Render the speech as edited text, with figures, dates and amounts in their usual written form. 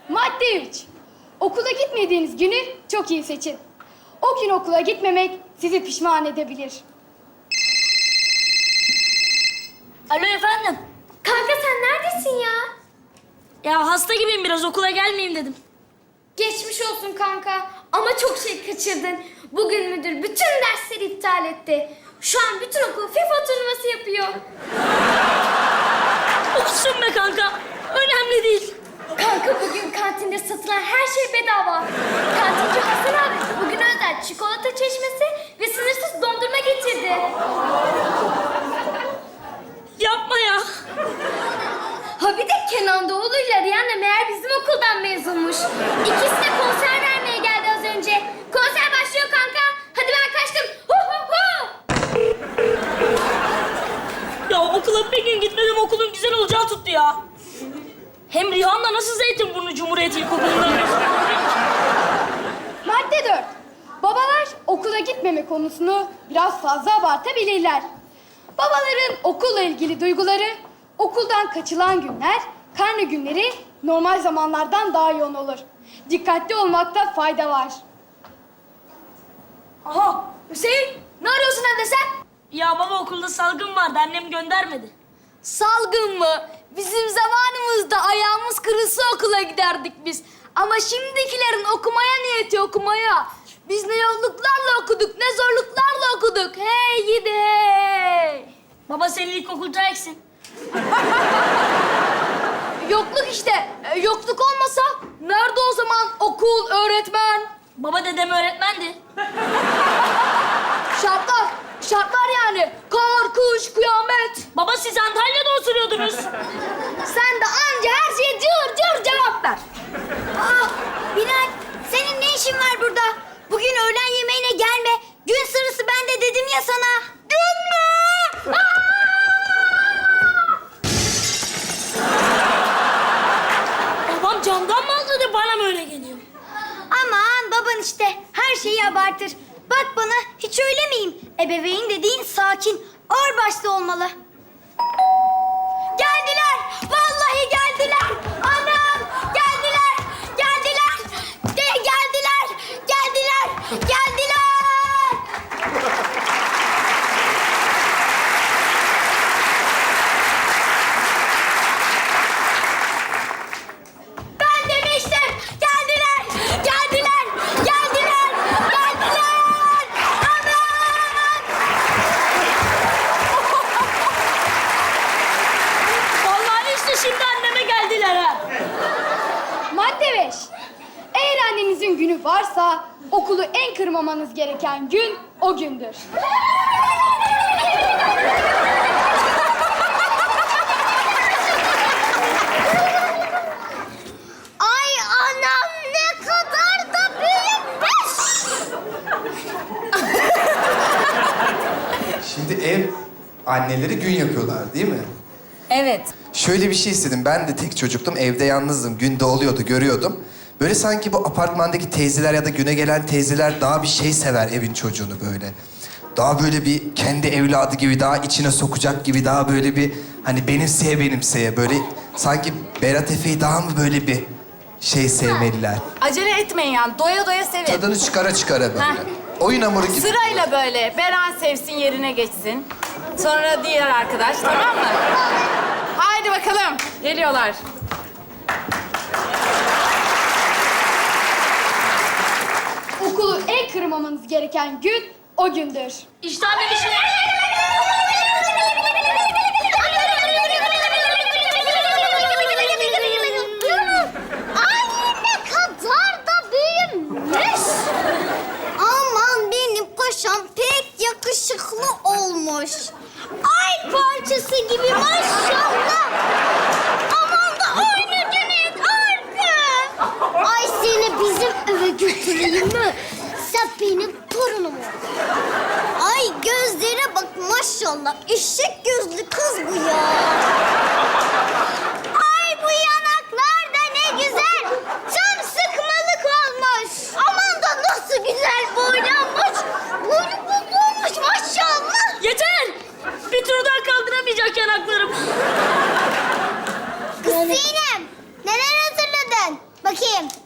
Madde 3. Okula gitmediğiniz günü çok iyi seçin. O gün okula gitmemek sizi pişman edebilir. Alo efendim. Kanka sen neredesin ya? Ya hasta gibiyim biraz okula gelmeyeyim dedim. Geçmiş olsun kanka. Ama çok şey kaçırdın. Bugün müdür bütün dersleri iptal etti. Şu an bütün okul FIFA turnuvası yapıyor. Olsun be kanka. Önemli değil. Kanka bugün kantinde satılan her şey bedava. Kantinci Hasan abi bugün özel çikolata çeşmesi ve sınırsız dondurma getirdi. Yapma ya. Ha bir de Kenan Doğulu'yla Rihanna meğer bizim okuldan mezunmuş. İkisi de konser vermeye geldi az önce. Konser başlıyor kanka. Hadi ben kaçtım. Hu hu hu. Ya okula bir gün gitmedim okulun güzel olacağı tuttu ya. Hem Rihanna nasıl Zeytinburnu Cumhuriyet İlkokulu'ndan mezun oldu? Madde 4. Babalar okula gitmeme konusunu biraz fazla abartabilirler. Babaların okulla ilgili duyguları, okuldan kaçılan günler, karne günleri normal zamanlardan daha yoğun olur. Dikkatli olmakta fayda var. Aha Hüseyin ne arıyorsun evde sen? Ya baba okulda salgın vardı annem göndermedi. Salgın mı? Bizim zamanımızda ayağımız kırılsa okula giderdik biz. Ama şimdikilerin okumaya niyeti okumaya. Biz ne yolluklarla okuduk, ne zorluklarla okuduk. Hey gidi hey. Baba senin ilkokulda eksin. Yokluk işte. Yokluk olmasa nerede o zaman okul, öğretmen? Baba dedem öğretmendi. Şartlar. Şartlar yani. Kar, kış, kıyamet. Baba siz Antalya'da oturuyordunuz. Sen de anca her şeye cır cır cevap ver. Aa, Bilal, senin ne işin var burada? Bugün öğlen yemeğine gelme. Gün sırası ben de dedim ya sana. Gün mü? Babam camdan mı atladı bana mı öyle geliyor? Aman baban işte her şeyi abartır. Bak bana hiç öyle miyim? Ebeveyn dediğin sakin, ağır başlı olmalı. Geldiler! Vallahi geldiler! Anam! Geldiler! Geldiler! Geldiler! Geldiler! Geldiler! Ben demiştim! Geldiler! Geldiler! Geldiler! Geldiler! Anam! Vallahi işte şimdi anneme geldiler ha. Madde 5. Eğer annenizin günü varsa okulu en kırmamanız gereken gün o gündür. Ay anam ne kadar da büyükmüş. Şimdi ev anneleri gün yapıyorlar değil mi? Evet. Şöyle bir şey istedim. Ben de tek çocuktum. Evde yalnızdım. Günde oluyordu, görüyordum. Böyle sanki bu apartmandaki teyzeler ya da güne gelen teyzeler daha bir şey sever evin çocuğunu böyle. Daha böyle bir kendi evladı gibi, daha içine sokacak gibi, daha böyle bir hani benimseye böyle sanki Berat Efe'yi daha mı böyle bir şey sevmeliler? Acele etmeyin yani. Doya doya sevin. Tadını çıkara böyle. Heh. Oyun hamuru gibi. Sırayla böyle. Beren sevsin, yerine geçsin. Sonra diğer arkadaş, tamam mı? Haydi bakalım. Geliyorlar. Okulu en kırmamanız gereken gün o gündür. İşte annem işine... Ay ne kadar da büyümüş. Aman benim paşam pek yakışıklı olmuş. Ay parçası gibi maşallah. Aman da aynı Cüneyt aynı. Ay seni bizim eve götüreyim mi? Sen benim torunum ol. Ay gözlere bak maşallah. Eşek gözlü kız bu ya. Ay bu yanaklar da ne güzel. Tam sıkmalık olmuş. Aman da nasıl güzel boylanmış. Boynu olmuş maşallah. Yeter! Bir tur daha kaldıramayacak yanaklarım. Kız Sinem, neler hazırladın? Bak Bakayım.